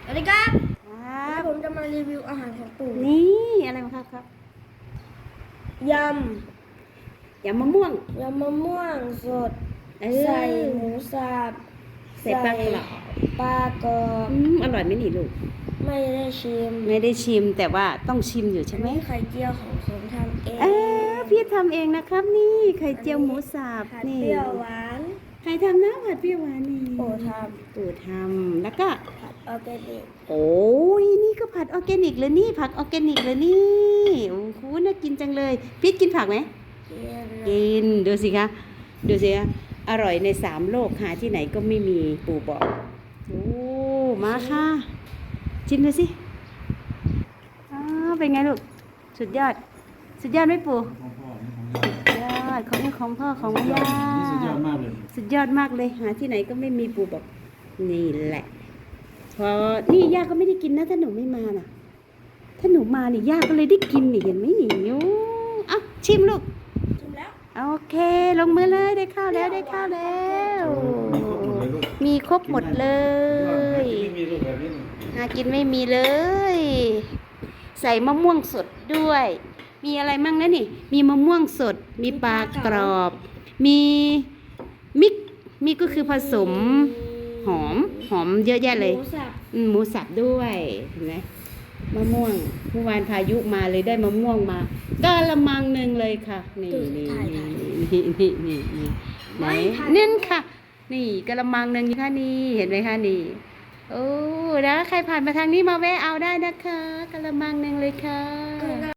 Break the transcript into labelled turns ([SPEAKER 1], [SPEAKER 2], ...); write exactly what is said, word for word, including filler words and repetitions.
[SPEAKER 1] วัสดีครับ
[SPEAKER 2] ครับ
[SPEAKER 1] ผมจะมารีวิวอาหารของปู่
[SPEAKER 2] นี่อะไรมาครับครับ
[SPEAKER 1] ย
[SPEAKER 2] ยำมะม่วง
[SPEAKER 1] ำยำมะม่วงสด
[SPEAKER 2] เออ
[SPEAKER 1] ใส่หมูสับ
[SPEAKER 2] ใส่ปลากรอบ
[SPEAKER 1] ปลากรอบ
[SPEAKER 2] อืมอร่อยไหมนี่ลูก
[SPEAKER 1] ไม่ได้ชิม
[SPEAKER 2] ไม่ได้ชิมแต่ว่าต้องชิมอยู่ใช่ไหม
[SPEAKER 1] อันนี้ไข่เจียวของผมทำเอง
[SPEAKER 2] เออพี่ทำเองนะครับนี่ไข่เจียวหมูสับ
[SPEAKER 1] ผัด
[SPEAKER 2] นี่
[SPEAKER 1] เปรี้ยวหวาน
[SPEAKER 2] ใครทำนะผัดเปรี้ยวหวานนี่
[SPEAKER 1] ปู่ท
[SPEAKER 2] ปู่ทำแล้วก็
[SPEAKER 1] ำผัดออร์แกนิก
[SPEAKER 2] โอ้ยนี่ก็ผัดออร์แกนิกเลยนี่ผักออร์แกนิกเลยนี่โอ้โหน่ากินจังเลยพีทกินผักไหม
[SPEAKER 1] เจียว
[SPEAKER 2] กินดูสิคะดูสิคะอร่อยในสามโลกหาที่ไหนก็ไม่มีปู่บอกโอ้มาค่ะชิมดูสิอ้าวเป็นไงลูกสุดยอด สุดยอดไหมปู่
[SPEAKER 3] ของพ่อนี่ของ
[SPEAKER 2] สุดยอดของของพ่อของย่า
[SPEAKER 3] นี่สุดยอดมากเลย
[SPEAKER 2] สุดยอดมากเลยหาที่ไหนก็ไม่มีปู่บอกนี่แหละพอนี่ย่าก็ไม่ได้กินนะถ้าหนูไม่มาน่ะ ถ้าหนูมานี่ย่าก็เลยได้กินนี่เห็นไหมนี่โอ้อ่ะชิมลูก
[SPEAKER 1] ชิมแล้ว
[SPEAKER 2] โอเคลงมือเลยได้ข้าวแล้วได้ข้าวแล้ว มีครบหมดเลย
[SPEAKER 3] ไม่มีลูกแบบนี้
[SPEAKER 2] หากินไม่มีเลย ใส่มะม่วงสดด้วย มีอะไรมั่งนะนี่ มีมะม่วงสด มีปลากรอบ มีมิกมิกก็คือผสมหอมหอมเยอะแยะเลย
[SPEAKER 1] หมูสับ
[SPEAKER 2] อืมหมูสับด้วยเห็นไหมมะม่วงเมื่อวานพายุมาเลยได้มะม่วงมากะละมังหนึ่งเลยค่ะนี่นี่นี่นี่นี่นี่ไหนเน้นค่ะ นี่กะละมังหนึ่งค่ะนี่เห็นไหมคะนี่โอ้นะใครผ่านมาทางนี้มาแวะเอาได้นะคะกะละมังหนึ่งเลยค่ะ